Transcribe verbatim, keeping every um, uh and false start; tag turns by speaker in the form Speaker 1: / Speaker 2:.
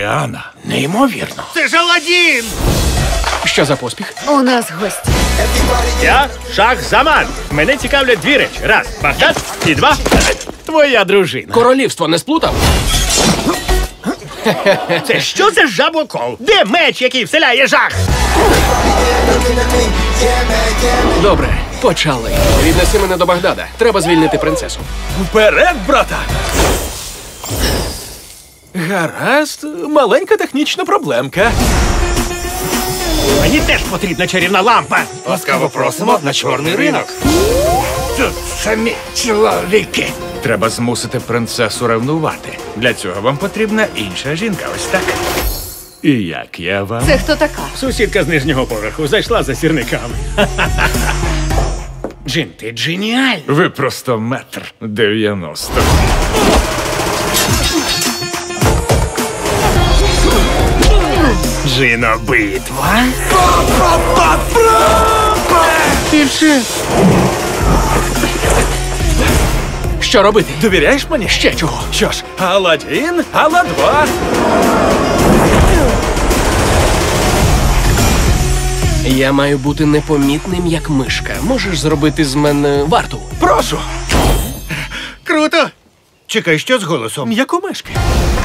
Speaker 1: Ріана. Неймовірно.
Speaker 2: Це ж Аладдін!
Speaker 3: Що за поспіх?
Speaker 4: У нас гості.
Speaker 2: Я Шах-Заман. Мене цікавлять дві речі. Раз, Багдад, і два твоя дружина.
Speaker 3: Королівство не сплутав?
Speaker 2: Це що за жабокол? Де меч, який вселяє жах?
Speaker 3: Добре, почали. Віднеси мене до Багдада. Треба звільнити принцесу.
Speaker 1: Вперед, брата! Гаразд, маленька технічна проблемка.
Speaker 2: Мені теж потрібна чарівна лампа.
Speaker 1: Ласкаво просимо на чорний ринок.
Speaker 2: Тут самі чоловіки.
Speaker 1: Треба змусити принцесу ревнувати. Для цього вам потрібна інша жінка, ось так. І як я вам?
Speaker 4: Це хто така?
Speaker 2: Сусідка з нижнього поверху зайшла за сірниками. Джин, ти дженіальний.
Speaker 1: Ви просто метр дев'яносто.
Speaker 2: Джино, битва.
Speaker 3: Більше. Що робити?
Speaker 1: Довіряєш мені?
Speaker 3: Ще чого?
Speaker 1: Що ж, Аладдін, Алла-два.
Speaker 3: Я маю бути непомітним, як мишка. Можеш зробити з мене варту?
Speaker 1: Прошу.
Speaker 2: Круто. Чекай, що з голосом?
Speaker 1: Як у мишки.